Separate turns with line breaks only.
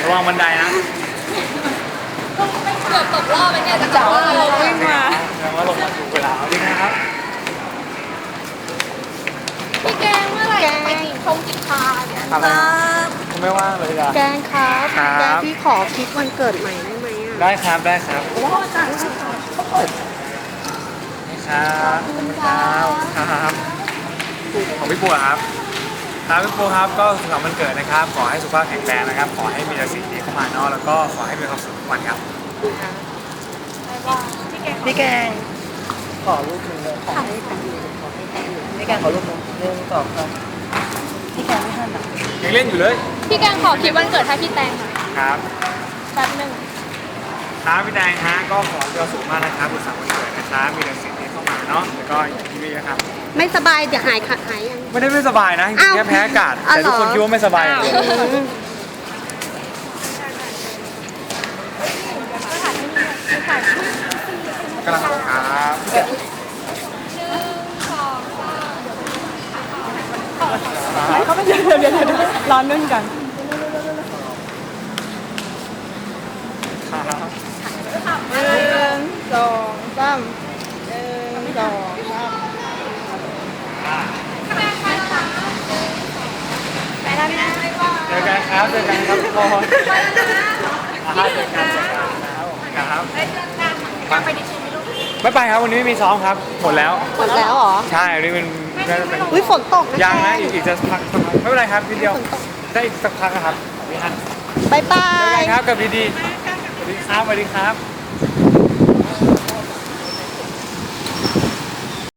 ระวังบันไดนะ
เกือบตกรอบไปเนี่ยแต่ว่าเราวิ่งมา
แสดงว่าลงมาถูกเวลาดีนะครับ
พี่แกงเมื่อไหร่จะไปกินชงกินชาเนี่ย
ครับผมไม่ว่างเลยจ้ะ
แกงครับ
ครับ
แกงพี่ขอคลิปวันเกิดใหม่ได้ไหมอ่ะ
ได้ครับได้ครับ
ว้าวจัง
นี่ครับขอบคุณครับครับของพี่ปูครับครับพี่ปูครับก็สุขสันต์วันเกิดนะครับขอให้สุขภาพแข็งแรงนะครับขอให้มีแต่สิ่งดีเข้ามาเนาะแล้วก็ขอให้มีความสุขทุกวันครับ
พี่แกง
ขอรูปหนึ่งเลยขอให้เป็นพี่แกขอรูปหนึ่ง1 2 3พี่แกไม่ทันหรอ
ยังเล่นอยู่เลย
พี่แกงขอคลิปวันเกิดให้พี่แตงหน่อย
ครับ
แป๊บนึง
ครับพี่แดงฮะก็ขอให้มีความสุขมากนะครับสุขสันต์วันเกิดนะครับมีแต่สิ่งดีเข้ามาเนาะแล้วก็อย่างที่นี่นะครับ
ไม่สบายเดี๋ยวหายยัง
ไม่ได้ไม่สบายนะจริงๆแค่แพ้อากาศแต่ทุกคนคิดว่าไม่สบายกำลังครับ
เขาไม่เดี๋ยวร้อนนึ่งกัน1 2 3 1 2 3
ไปแล้วนะ
เจอกันครับเจอกันครับทุกคนเจอกันครับ
ไปดิฉันไม่รู้
ไม่ไปครับวันนี้ไม่มีซ้อมครับหมดแล้ว
หมดแล้วเหรอ
ใช่วันนี้มันน่าจะเป็น
อุ้ยฝนตกนะ
ยังนะอีกจะสักพักไม่เป็นไรครับทีเดียวได้อีกสักพักนะครับพี่ฮัน
บายบา
เจอกั
ย
นครับกับดีๆสวัสดีครับสวัสดีครับ